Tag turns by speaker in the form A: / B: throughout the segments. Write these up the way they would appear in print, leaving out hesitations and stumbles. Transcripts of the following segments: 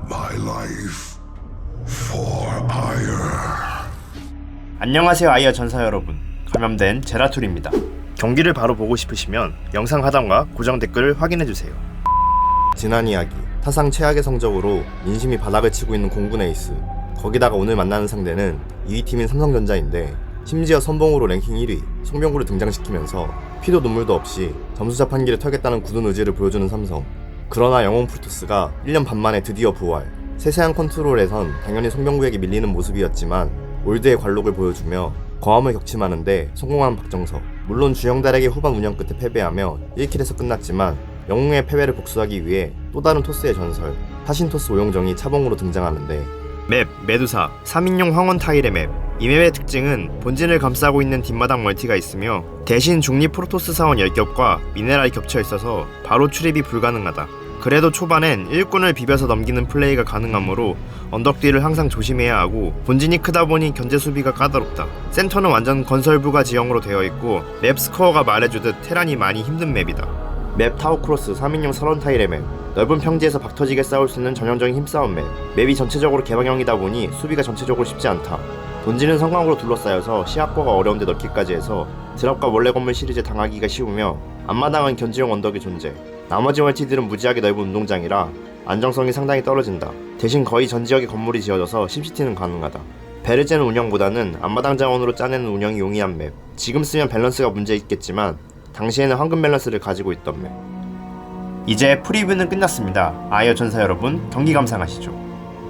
A: my life for ire.
B: 안녕하세요 아이어 전사 여러분, 감염된 제라툴입니다. 경기를 바로 보고 싶으시면 영상 하단과 고정 댓글을 확인해주세요. 지난 이야기, 타상 최악의 성적으로 민심이 바닥을 치고 있는 공군 에이스, 거기다가 오늘 만나는 상대는 2위 팀인 삼성전자인데 심지어 선봉으로 랭킹 1위 송병구를 등장시키면서 피도 눈물도 없이 점수 자판기를 털겠다는 굳은 의지를 보여주는 삼성. 그러나 영웅 프로토스가 1년 반 만에 드디어 부활. 세세한 컨트롤에선 당연히 송병구에게 밀리는 모습이었지만 올드의 관록을 보여주며 거함을 격침하는데 성공한 박정석. 물론 주영달에게 후반 운영 끝에 패배하며 1킬에서 끝났지만 영웅의 패배를 복수하기 위해 또 다른 토스의 전설 타신토스 오용정이 차봉으로 등장하는데, 맵 메두사 3인용 황혼 타일의 맵. 이 맵의 특징은 본진을 감싸고 있는 뒷마당 멀티가 있으며 대신 중립 프로토스 사원 10겹과 미네랄이 겹쳐 있어서 바로 출입이 불가능하다. 그래도 초반엔 일꾼을 비벼서 넘기는 플레이가 가능하므로 언덕 뒤를 항상 조심해야 하고, 본진이 크다 보니 견제 수비가 까다롭다. 센터는 완전 건설부가 지형으로 되어 있고 맵 스코어가 말해주듯 테란이 많이 힘든 맵이다. 맵 타워크로스 3인용 설원 타일의 맵. 넓은 평지에서 박터지게 싸울 수 있는 전형적인 힘싸움 맵. 맵이 전체적으로 개방형이다 보니 수비가 전체적으로 쉽지 않다. 본진은 성광으로 둘러싸여서 시합과가 어려운데 넣기까지 해서 드랍과 원래 건물 시리즈에 당하기가 쉬우며 앞마당은 견지용 언덕의 존재. 나머지 멀티들은 무지하게 넓은 운동장이라 안정성이 상당히 떨어진다. 대신 거의 전 지역에 건물이 지어져서 심시티는 가능하다. 배를 째는 운영보다는 앞마당 자원으로 짜내는 운영이 용이한 맵. 지금 쓰면 밸런스가 문제 있겠지만 당시에는 황금 밸런스를 가지고 있던 맵. 이제 프리뷰는 끝났습니다. 아이어 전사 여러분, 경기 감상하시죠.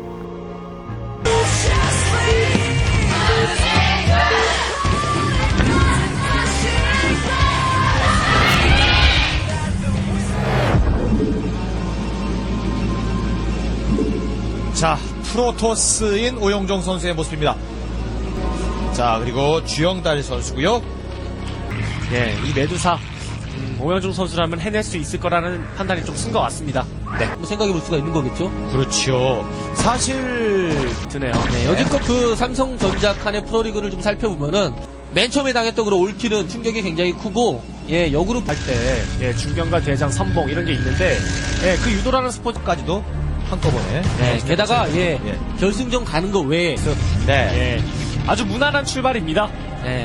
C: 자, 프로토스인 오용정 선수의 모습입니다. 자, 그리고 주영달 선수고요.
D: 예, 이 메두사 오영종 선수라면 해낼 수 있을 거라는 판단이 좀 쓴 것 같습니다.
C: 네,
E: 뭐 생각해 볼 수가 있는 거겠죠?
C: 그렇죠. 사실
D: 드네요.
E: 네, 여지껏 그 삼성전자 칸의 프로리그를 좀 살펴보면은 맨 처음에 당했던 그런 올킬은 충격이 굉장히 크고, 예, 역으로
D: 할 때, 예, 중견과 대장, 선봉 이런 게 있는데, 예, 그 유도라는 스포츠까지도
C: 한꺼번에.
E: 네, 게다가 예,
C: 예.
E: 결승전 가는 거 외에
C: 네.
D: 예, 아주 무난한 출발입니다.
E: 네,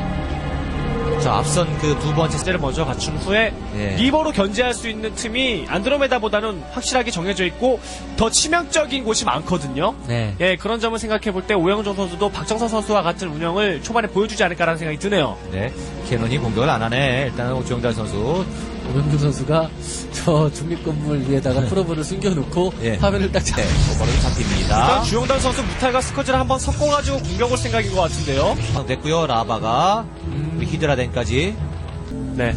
C: 자, 앞선 그 두 번째
D: 를 먼저 갖춘 후에
E: 예.
D: 리버로 견제할 수 있는 틈이 안드로메다보다는 확실하게 정해져 있고 더 치명적인 곳이 많거든요.
E: 네.
D: 예, 그런 점을 생각해 볼 때 오영종 선수도 박정선 선수와 같은 운영을 초반에 보여주지 않을까라는 생각이 드네요.
C: 네, 캐논이 공격을 안 하네. 일단은 주영달 선수.
E: 오병규 선수가 저 중립건물 위에다가 프로브를 숨겨놓고
C: 예.
E: 화면을 딱 잡.
C: 오버로 잡힙니다.
D: 일단 주영달 선수 무탈과 스커지를 한번 섞어가지고 공격을 생각인 것 같은데요.
C: 됐고요. 라바가 우리 히드라덴까지.
D: 네.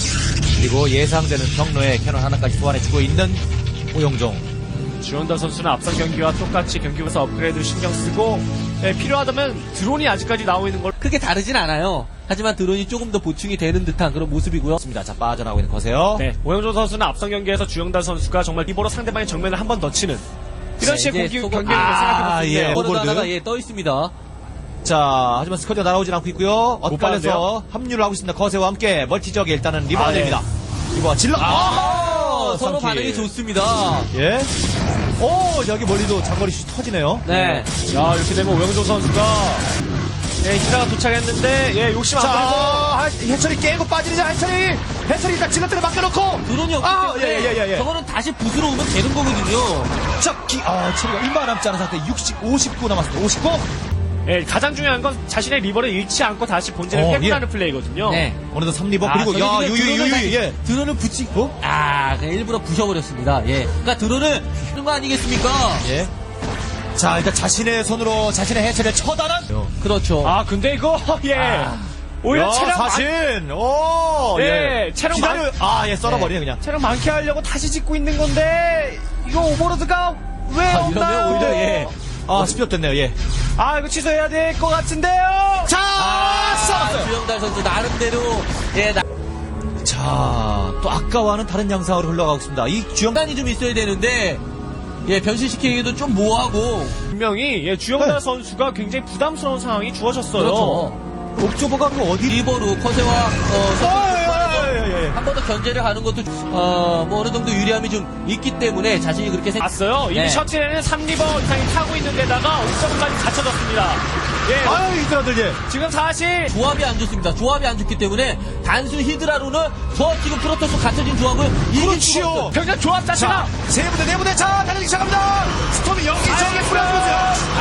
C: 그리고 예상되는 경로에 캐논 하나까지 소환해주고 있는 오용종.
D: 주영달 선수는 앞선 경기와 똑같이 경기에서 업그레이드 신경 쓰고, 예, 필요하다면 드론이 아직까지 나오고 있는 걸.
E: 크게 다르진 않아요. 하지만 드론이 조금 더 보충이 되는 듯한 그런 모습이고요.
C: 자, 빠져나오고 있는 거세요.
D: 네, 오영종 선수는 앞선 경기에서 주영달 선수가 정말 리버로 상대방의 정면을 한 번 더 치는 이런 식의
E: 이제
D: 공격을
E: 소금-
D: 생각해볼 수 있네요.
C: 예.
E: 오버로드
C: 오버로드.
E: 하나가 예, 떠 있습니다.
C: 자, 하지만 스쿼드가 날아오진 않고 있고요.
D: 못
C: 엇갈려서
D: 봤는데요?
C: 합류를 하고 있습니다. 거세와 함께 멀티 지역에 일단은 리버가
D: 아, 예.
C: 됩니다. 리버가 질러.
E: 서로
C: 삼킬.
E: 반응이 좋습니다.
C: 예. 오, 여기 멀리도 장거리 슛 터지네요.
E: 네.
D: 야, 이렇게 되면 오영종 선수가, 예, 히드라가 도착했는데, 예, 욕심 안 부리고.
C: 자, 해철이 깨고 빠지자, 해철이 일단 질러들에 맡겨놓고.
E: 드론이 없기
C: 아,
E: 때문에
C: 예.
E: 저거는 다시 부스로 오면 되는 거거든요.
C: 체리가 얼마 남지 않은 상태 59 남았습니다. 59?
D: 예, 가장 중요한 건 자신의 리버를 잃지 않고 다시 본진을 회군하는 플레이거든요.
E: 네.
C: 어느덧 3리버,
D: 아,
C: 그리고, 야,
E: 저기 지금 드론을
C: 유유, 예.
E: 드론을 붙이고, 그냥 일부러 부셔버렸습니다. 예. 그러니까 드론을 쓰는 거 아니겠습니까?
C: 예. 자, 일단 자신의 손으로 자신의 해체를 처단한.
E: 그렇죠.
D: 아, 근데 이거, 예. 오히려
C: 야,
D: 체력
C: 사신. 오,
D: 예, 체력
C: 기다려. 아, 예, 썰어버리네, 그냥.
D: 체력 많게 하려고 다시 짓고 있는 건데, 이거 오버로드가 왜
E: 이러면
D: 없나요?
E: 오히려 예.
C: 스피업 됐네요, 예.
D: 아, 이거 취소해야 될 것 같은데요?
C: 자, 썰었어요.
E: 주영달 선수 나름대로 예,
C: 자, 또 아까와는 다른 양상으로 흘러가고 있습니다. 이 주영
E: 장단이 좀 있어야 되는데 예, 변신시키기도 좀 뭐하고.
D: 분명히 예, 주영달
C: 네.
D: 선수가 굉장히 부담스러운 상황이 주어졌어요.
E: 그렇죠.
C: 옥조버가 그 어디
E: 리버로 커세와
C: 예, 예, 예, 예, 예.
E: 한 번 더 견제를 하는 것도 뭐 어느 정도 유리함이 좀 있기 때문에 자신이 그렇게
D: 봤어요. 이미
E: 네.
D: 셔틀에는 3리버 이상이 타고 있는 데다가 옥점까지 갖춰졌습니다. 예.
C: 아유, 이들아들, 예.
D: 지금 사실
E: 조합이 안 좋습니다. 조합이 안 좋기 때문에 단순 히드라로는 저 지금 프로토스 갖춰진 조합을 이길 수가 없어요.
D: 병력 조합 자체가
C: 세 부대, 네 부대, 자, 달리기 시작합니다. 스톰이 여기저기 뿌려주세요.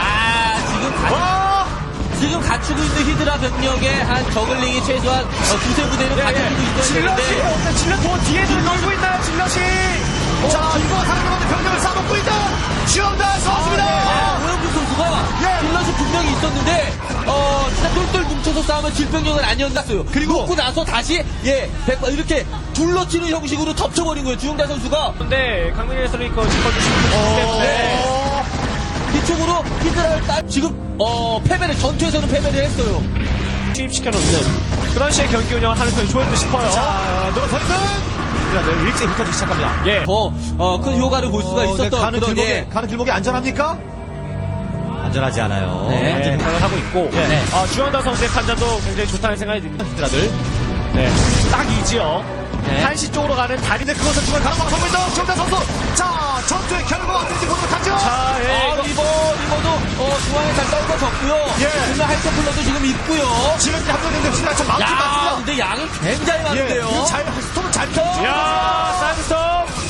E: 지금 갖추고 있는 히드라 병력의 한 저글링이 최소한 두세 부대는 갖춰지고 있어야
D: 질럿이
E: 되는데
D: 없네. 질럿 더 뒤에 좀 놀고 있나요, 질럿이?
C: 자, 이거 사람들한테 병력을 쌓아놓고 있다. 지원다 쏘습니다.
E: 오영준 선수가 딜럿이 분명히 있었는데 진짜 똘똘 뭉쳐서 싸우면 질병력은 아니었어요.
C: 그리고
E: 놓고 나서 다시 이렇게 둘러치는 형식으로 덮쳐버린 거예요. 주영달 선수가.
D: 근데 강민희 해설이 그거 짚어주시기 때문에
E: 뒤쪽으로 히드라를 지금 패배를 전투에서는 패배를 했어요.
D: 투입시켜놓는 그런 식의 경기 운영을 하는 편이 좋을 듯 싶어요.
C: 자, 노란 선수. 일찍 흩어지기 시작합니다.
D: 예.
E: 더 큰 효과를 볼 수가 있었던
C: 가는
E: 그런
C: 길목이 안전합니까? 안전하지 않아요.
D: 네, 생각을 하고 있고
E: 네.
D: 주현다 선수의 판단도 굉장히 좋다는 생각이 듭니다.
C: 히드라들.
D: 네, 딱이지요.
E: 네.
D: 한시 쪽으로 가는 다리.
C: 근데 그것을 중간 가로막 서고 있는 지원다 선수. 자, 전투의 결과가 어떨지 보도록 하죠.
D: 자, 이거
E: 리버도 중앙에 잘 떨궈졌고요.
C: 예.
E: 그러면 할테플러도 지금 있고요.
C: 지금 합류했는데 히드라 좀 많지
E: 야,
C: 않습니다.
E: 근데 양이 굉장히 많은데요.
C: 그리고 스톰은 잘 펴.
D: 야, 사이드스톱.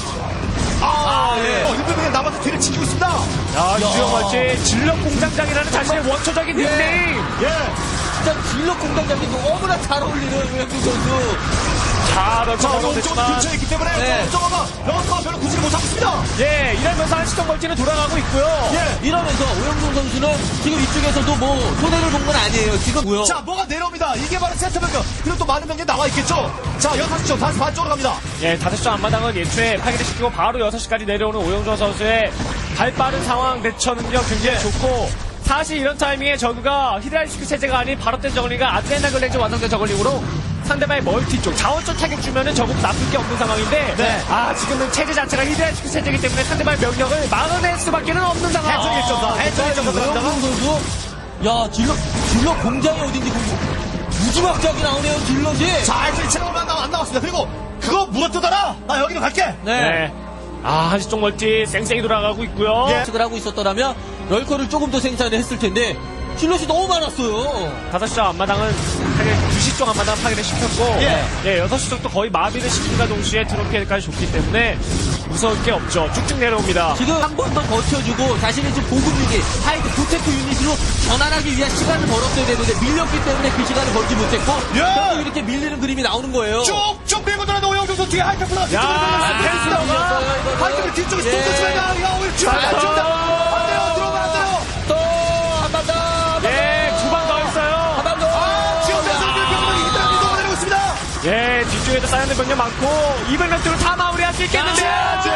C: 일병이 남아서 뒤를 지키고 있습니다.
D: 야, 이주영 말지 질럿 공장장이라는 자신의 원초적인 닉네임.
E: 진짜 질럿 공장장이 너무나 잘 어울리는 우영준 선수.
D: 자,
C: 자,
D: 런처가
C: 오른쪽은 근처에 있기 때문에
E: 네.
C: 런커가 별로 구질을 못하고 있습니다.
D: 예, 이러면서 한시동 멀티는 돌아가고 있고요.
E: 이러면서 오영준 선수는 지금 이쪽에서도 뭐 손해를 본 건 아니에요. 지금 뭐요?
C: 자, 뭐가 내려옵니다. 이게 바로 센터 병력. 그리고 또 많은 병력이 나와 있겠죠. 자, 6시 다시 반쪽으로 갑니다.
D: 예, 5시 앞마당은 예초에 파괴를 시키고 바로 6시까지 내려오는 오영준 선수의 발빠른 상황 대처 능력 굉장히 좋고, 사실 이런 타이밍에 저그가 히드라리스크 체제가 아닌 바로된 저글링과 아드레나 글렌즈 완성된 저글링으로 상대방의 멀티 쪽 자원적 타격 주면은 저거 나쁠 게 없는 상황인데,
C: 네.
D: 지금은 체제 자체가 히드라리스크 체제이기 때문에 상대방의 명령을 막아낼 수밖에는 없는 상황.
C: 해처리 1.4
E: 오영준 선수, 야 질럿 공장이 어딘지 무지막지하게 나오네요. 질럿이.
C: 자, 해처리 체력만 안 나왔습니다. 그리고 그거 물어뜯어라. 나 여기로 갈게.
D: 네. 한시쪽 멀티 쌩쌩이 돌아가고 있고요.
C: 예.
E: 을 하고 있었더라면 럴커를 조금 더 생산을 했을 텐데 질럿이 너무 많았어요.
D: 5시 쪽 앞마당은 2시 쪽 앞마당 파괴를 시켰고,
C: 예.
D: 6시 쪽도 거의 마비를 시킨과 동시에 트로피까지 줬기 때문에 무서울 게 없죠. 쭉쭉 내려옵니다.
E: 지금 한 번 더 버텨주고 자신의 지금 보급 유닛, 하이드 프로텍트 유닛으로 전환하기 위한 시간을 벌었어야 되는데 밀렸기 때문에 그 시간을 벌지 못했고
C: 예.
E: 결국 이렇게 밀리는 그림이 나오는 거예요.
C: 쭉쭉 밀고 들어가는 오영종 선수 뒤에 하이테플러.
D: 펜스가
C: 하이테플러 뒤쪽에서 또 쫓아가야 야, 오늘 쭉 안 돼. 안 돼요. 들어오면 안 돼요.
E: 또 한 번 더.
D: 예, 2방 더 있어요.
E: 한 번 더.
C: 지원대에서 병력이 히드라를 녹아내리고 있습니다.
D: 예, 뒤쪽에도 쌓여있는 병력 많고 200명대로 다 마무리할 수 있겠는데요.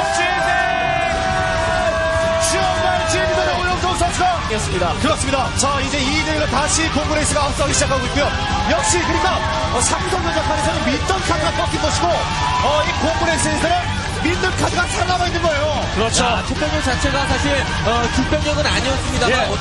C: 정말 진리는 오영종 선수가
D: 였습니다.
C: 그렇습니다. 자, 이제 2대1로 다시 공그레이스가 앞서기 시작하고 있고요. 역시 그러니까 삼성전자판에서는 믿던 카드가 꺾인 것이고 이 공그레이스에서는 믿는 카드가 살아남아 있는 거예요.
D: 그렇죠.
E: 자, 투병력 자체가 사실 주병력은 아니었습니다만
D: 예.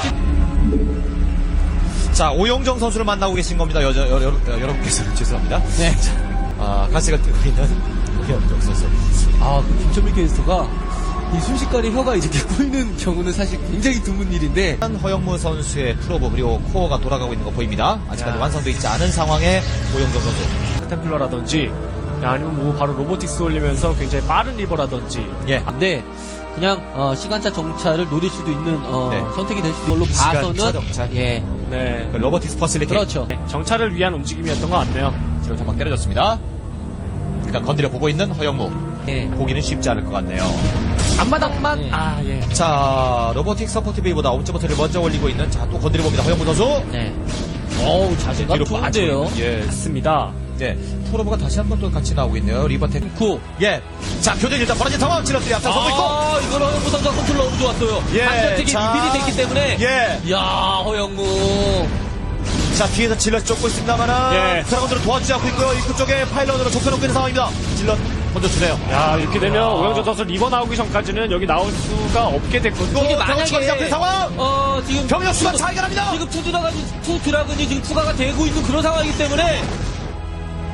C: 자, 오영정 선수를 만나고 계신 겁니다. 여러분께서는 죄송합니다.
E: 네.
C: 가시가 뜨고 있는 오영정 선수.
E: 그 김철민 캐스터가 이 순식간에 혀가 이렇게 꼬이는 경우는 사실 굉장히 드문 일인데
C: 허영무 선수의 프로브 그리고 코어가 돌아가고 있는 거 보입니다. 아직까지 완성되어 있지 않은 상황의 오영정 선수.
D: 템플러라든지 아니면 뭐 바로 로보틱스 올리면서 굉장히 빠른 리버라든지.
C: 예.
E: 근데 그냥 시간차 정찰을 노릴 수도 있는
C: 네.
E: 선택이 될 수 있는 걸로
C: 시간차
E: 봐서는
C: 정찰.
E: 예.
D: 네.
C: 로버틱스 퍼실리티.
E: 그렇죠.
D: 정찰을 위한 움직임이었던 것 같네요.
C: 지금 한방 때려줬습니다. 일단 건드려 보고 있는 허영무.
E: 예.
C: 보기는 쉽지 않을 것 같네요.
D: 앞마당만
E: 예.
C: 자, 로보틱 서포트 베이보다 옵저버터를 먼저 올리고 있는 자, 또 건드려 봅니다. 허영무 선수.
E: 네. 어우, 자세가 좋은데요.
C: 예.
D: 맞습니다.
C: 네. 프로브가 다시 한 번 또 같이 나오고 있네요. 리버텍.
E: 구.
C: 예. 자, 교전 일단 벌어진 상황. 질럿들이 앞장서고 있고.
E: 이걸 허영무 선수가 컨트롤 너무 좋았어요.
C: 예,
E: 반전택이
C: 자.
E: 미리 됐기 때문에.
C: 예.
E: 이야, 허영무.
C: 자, 뒤에서 질럿 쫓고 있습니다만은.
D: 예.
C: 드라곤들은 도와주지 않고 있고요. 입구 쪽에 파일런으로 좁혀놓고 있는 상황입니다. 질럿 먼저 주네요.
D: 야, 이렇게 되면 오영조 선수 리버 나오기 전까지는 여기 나올 수가 없게 됐거든요.
E: 이게
C: 병력 추가되지 않는 상황.
E: 지금.
C: 병력 수가
E: 지금-
C: 차이가 납니다.
E: 지금 투 드라군이 지금 추가가 되고 있는 그런 상황이기 때문에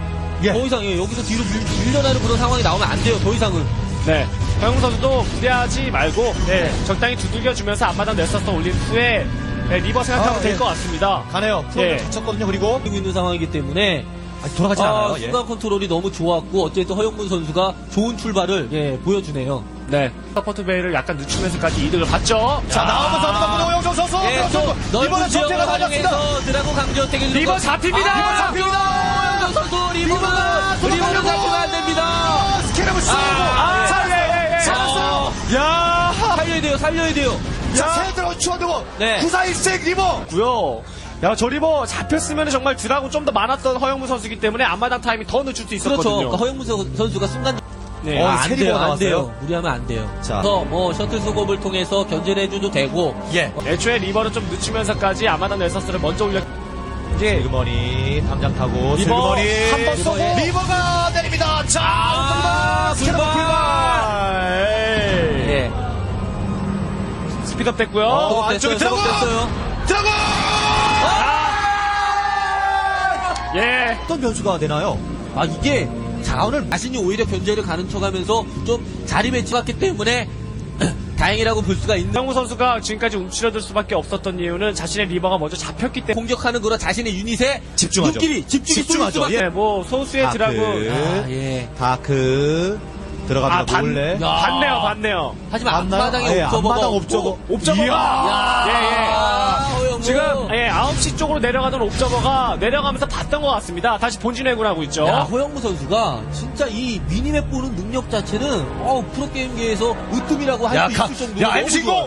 C: 예.
E: 더 이상 여기서 뒤로 밀려나는 그런 상황이 나오면 안 돼요. 더 이상은.
D: 네. 허영무 선수도 무리하지 말고 적당히 두들겨주면서 앞마당 넥서스 올린 후에 리버 생각하면 될 것 같습니다.
C: 가네요. 프로를 다쳤거든요. 그리고
E: 뛰고 있는 상황이기 때문에
C: 아직 돌아가진 않아요. 예.
E: 순간 컨트롤이 너무 좋았고 어쨌든 허영문 선수가 좋은 출발을 보여주네요.
D: 네. 서포트 베이를 약간 늦추면서까지 이득을 봤죠.
C: 자, 나오면서 누가 오영종 선수.
E: 넓은
C: 이번엔
E: 지역을
C: 전태가 달렸습니다.
E: 활용해서 드라고 강조 태길
D: 리버 잡힙니다.
C: 리버 잡힙니다.
E: 허영종 선수
C: 리버가
E: 리버는 잡히면 안 됩니다.
C: 스케럽을 쏘고. 살았어요. 야,
E: 살려야 돼요.
C: 자, 새들어 추워두고.
E: 네.
C: 9416 리버.
D: 고요. 야, 저 리버 잡혔으면 정말 드라곤 좀 더 많았던 허영무 선수이기 때문에 앞마당 타임이 더 늦출 수 있었거든요.
E: 그렇죠. 그러니까 허영문 선수가 순간
D: 네.
C: 세 리버가
E: 안 돼요.
C: 나왔어요.
E: 무리하면 안 돼요.
C: 자.
E: 그래서 셔틀 수급을 통해서 견제를 해줘도 되고
C: 예.
D: 애초에 리버를 좀 늦추면서까지 앞마당 넥서스를 먼저 올려. 이제
C: 슬그머니 담장 타고
D: 리버
C: 슬그머니
D: 한 번 쏘고
C: 리버가 내립니다. 자,
E: 불발. 예.
D: 스피드업 됐고요.
C: 안쪽에 들어가. 들어가.
D: 예.
C: 어떤 변수가 되나요?
E: 이게 자원을 자신이 오히려 견제를 가는 척하면서 좀 자리 배치했기 때문에 다행이라고 볼 수가 있는.
D: 허영무 선수가 지금까지 움츠러들 수밖에 없었던 이유는 자신의 리버가 먼저 잡혔기 때문에.
E: 공격하는 거라 자신의 유닛에
C: 집중하죠.
E: 눈길이 집중이
C: 집중하죠.
E: 쏠 수밖에.
C: 예.
D: 뭐 소수의 드라군.
E: 예.
C: 다크 들어갑니다. 몰래.
D: 봤네요.
E: 하지만
C: 맞나요?
E: 앞마당에
C: 앞마당
E: 옵저버.
C: 옵저버가.
D: 예. 지금 9시 쪽으로 내려가던 옵저버가 내려가면서 봤던 것 같습니다. 다시 본진 회군하고 있죠.
E: 야, 허영무 선수가 진짜 이 미니맵 보는 능력 자체는 프로게임계에서 으뜸이라고 할 수 있을 정도로 너무
C: MC0.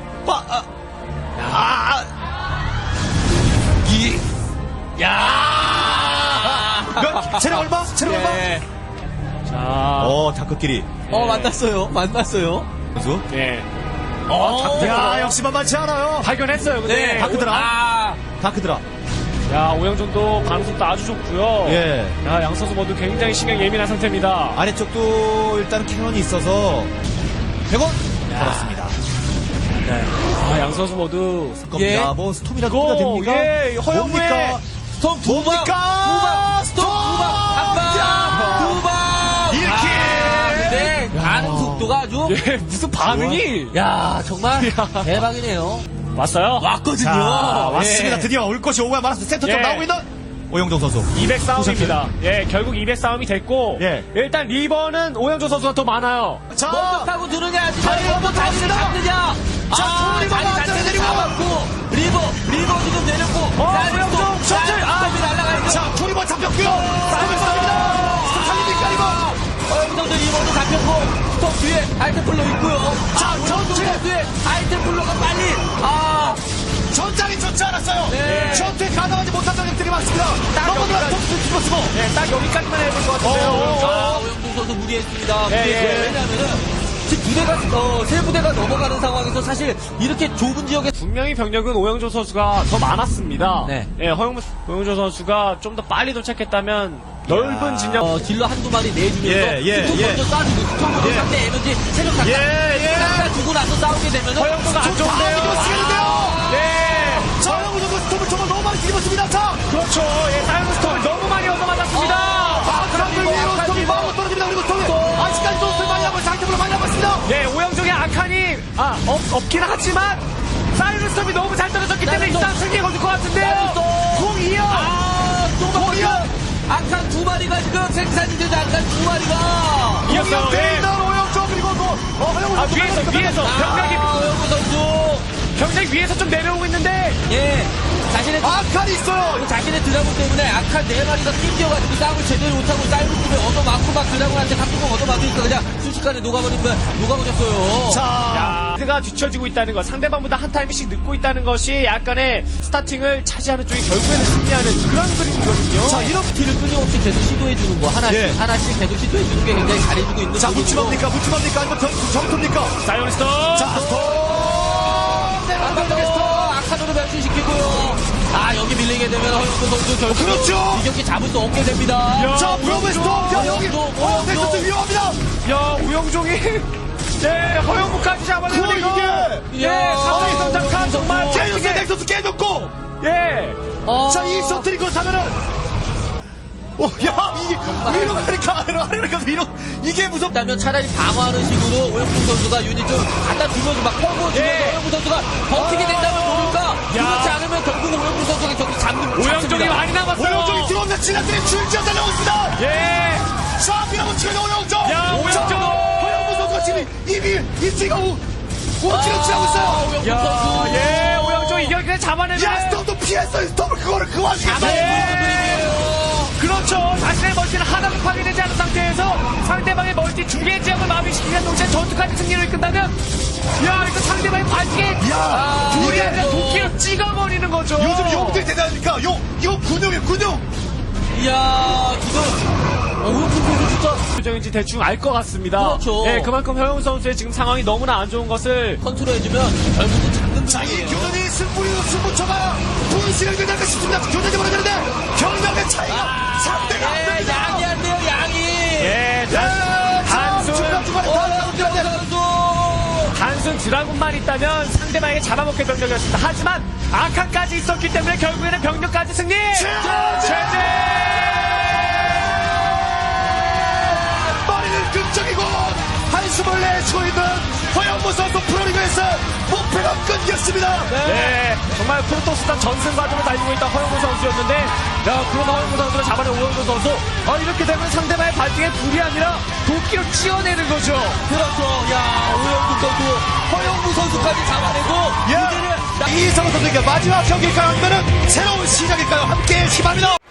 C: 체력 얼마? 체력 얼마?
D: 자,
C: 다크끼리.
E: 만났어요.
C: 선수.
D: 예.
C: 야, 역시 만만치 않아요.
D: 발견했어요. 근데
C: 다크드라. 다크드라.
D: 야, 오영종도 방송도 아주 좋고요.
C: 예.
D: 야, 양 선수 모두 굉장히 신경 예민한 상태입니다.
C: 아래쪽도 일단 캐논이 있어서 100원 걸었습니다.
D: 양 선수 모두
C: 겁니다. 뭐 스톰이라도 뿌가 됩니까?
D: 예, 허영무의
C: 뭡니까?
E: 스톰 두 방! 스톰 두 방! 한 방! 두 방!
C: 이렇게!
E: 근데 반응 속도가 아주
D: 예, 무슨 반응이
E: 정말 대박이네요.
D: 왔어요?
E: 왔거든요.
C: 자, 왔습니다.
E: 예.
C: 드디어 올 것이 오고야 말았습니다. 센터 쪽
D: 예.
C: 나오고 있는 오영종 선수.
D: 200 싸움입니다. 예, 결국 200 싸움이 됐고
C: 예.
D: 일단 리버는 오영종 선수가 더 많아요.
C: 자,
E: 먼저 타고 드느냐,
C: 다리
E: 먼저
C: 한번
E: 다리를
C: 탔습니다.
E: 잡느냐.
C: 자, 리버가
E: 자리
C: 안쪽에
E: 자체를
C: 내리고.
E: 잡았고, 리버 지금 내렸고,
D: 오영종 셔틀!
E: 스톱이 날아가야죠.
C: 자, 투리버 잡혔고요. 스톰을 쏩니다. 스톰 살립니까, 이거?
E: 허영정도 리버도 잡혔고, 스톱 뒤에 아이템플로 있고요.
C: 자,
E: 오영정
C: 전체.
E: 선수의 아이템플로가 빨리,
C: 전장이 좋지 않았어요.
E: 네.
C: 전투에 가담하지 못한 적들이 많습니다. 넘어들어
D: 여기까지.
C: 톱스 집어쓰고.
D: 예, 딱 여기까지만 해볼 것 같은데요.
E: 오영정 선수 무리했습니다.
D: 예, 예.
E: 왜냐면은, 지금 세 부대가 넘어가는 상황에서 사실 이렇게 좁은 지역에
D: 분명히 병력은 오영종 선수가 더 많았습니다.
E: 네.
D: 예, 오영종 선수가 좀 더 빨리 도착했다면 넓은 진영.
E: 딜러 한두 마리 내주면서
C: 예.
E: 스톱 먼저 쏴주고 스톱으로
C: 예.
E: 상대 에너지 체력 잠깐
C: 예.
E: 주고 나서 싸우게 되면
D: 허영도가 안 좋은데요. 네.
C: 자, 오영종 선수 스톰을 정말 너무 많이 뒤집었습니다. 자,
D: 그렇죠. 예, 사이언 스톰을 너무 많이 얻어맞았습니다.
C: 바크랑들 위로 스톰이 바로 떨어집니다. 그리고 스톰이 아직까지도 스톰 많이 하고 상태로 많이 하고 있습니다.
D: 예, 오영종의 아칸이 없긴 하지만 사이언 스톰이 너무 잘 떨어졌기 때문에 일단 승리에 걸릴 것 같은데요. 공이요.
E: 공이요 악한 두 마리가 지금 생산이 되지 악한 두 마리가
D: 이었어요. 예.
C: 오영종 그리고 허영종
D: 위에서
E: 허영우 선수
D: 병력이 위에서 좀 내려오고 있는데
E: 자신의
C: 아칸이 있어요.
E: 자신의 드라군 때문에 악한 네 마리가 낑겨가지고 싸움을 제대로 못하고 사이버팀에 얻어맞고 막 드라군한테 각도공 얻어맞으니까 그냥 순식간에 녹아버렸어요.
C: 자,
D: 가 뒤처지고 있다는 것, 상대방보다 한 타임씩 늦고 있다는 것이 약간의 스타팅을 차지하는 쪽이 결국에는 승리하는 그런 그림이거든요.
C: 자, 이런
E: 티를 끊임없이 계속 시도해주는 거 하나씩
C: 예.
E: 계속 시도해주는 게 굉장히 잘해주고 있는
C: 자,
E: 부분이고.
C: 무침합니까? 아니면 정토입니까?
D: 사이언 스톰.
C: 자, 스톰!
E: 악한으로 변신시키고요. 여기 밀리게 되면 허영도 선수 결국
C: 그렇죠.
E: 이 경기 잡을 수 없게 됩니다.
C: 자, 브로베 스톰! 야, 여기! 넥서스 위험합니다!
D: 야, 우영종이 네, 허영무까지 잡아내는 이거.
C: 이게!
D: 예, 사토리 선장칸 정말
C: 제이스 넥서스 깨졌고!
D: 예.
C: 자, 이 셔틀이 그렇다면은 야, 이게 위로 가니까 아래로 위로. 이게 무섭.
E: 다면 차라리 방어하는 식으로 오영풍 선수가 유닛 좀 갖다 주면서 막 펑고 주면서
D: 예.
E: 오영풍 선수가 버티게 된다면 모를까. 그렇지 않으면 결국 오영풍 선수가 경기 잡는.
D: 오영종이 많이 남았어요.
C: 오영종이 들어오면 지나들이 줄지어 달려오고 있습니다.
D: 예.
C: 자, 밀어붙이는 오영종.
D: 야, 오영종.
C: 허영무 선수가 지금 입지가 5kg 지나고 있어요.
E: 오영풍
D: 야,
E: 선수.
D: 예, 오영종 이걸 그냥 잡아내면.
C: 야, 스톱도 피했어요. 스톱을 그거를 그 와중에.
D: 그렇죠. 자신의 멀티는 하나도 파괴되지 않은 상태에서 상대방의 멀티 두 개 지역을 마비시키는 동시에 전투까지 승리를 끝나면, 야, 이거 상대방의 발기에 둘이
C: 이게
D: 아니라 도끼로 찍어버리는 거죠.
C: 요즘 용들이 대단하니까 이거 군용이에요, 군용.
E: 이야, 지금 오영풍 선수 진짜
D: 표정인지 대충 알 것 같습니다.
E: 그렇죠.
D: 예, 그만큼 허영 선수의 지금 상황이 너무나 안 좋은 것을
E: 컨트롤해주면 결국은 잡는
C: 자, 이
E: 분이에요.
C: 교전이 승부처가 분실을 되지 싶습니다. 교전이 벌어지는데 경력의 차이가 상대가 안
E: 예,
C: 됩니다.
E: 양이 안 돼요, 양이.
D: 예, 단순
C: 중간중간에
E: 오영풍 선수.
D: 단순 드라군만 있다면 상대방에게 잡아먹힐 병력이었습니다. 하지만 아칸까지 있었기 때문에 결국에는 병력까지 승리! 최재!
C: 머리는 극적이고 한숨을 내쉬고 있는 허영무 선수 프로리그에서 목표가 끊겼습니다.
D: 네, 정말 프로토스단 전승 과정을 달리고 있던 허영무 선수였는데, 야, 그런 허영무 선수를 잡아낸 오영무 선수, 이렇게 되면 상대방의 발등에 불이 아니라 도끼로 찌어내는 거죠.
E: 그렇죠. 야, 오영풍 선수, 허영무 선수까지 잡아내고 이제는
C: 이성우 선수에게 마지막 경기일까요? 아니면 새로운 시작일까요? 함께 희망합니다.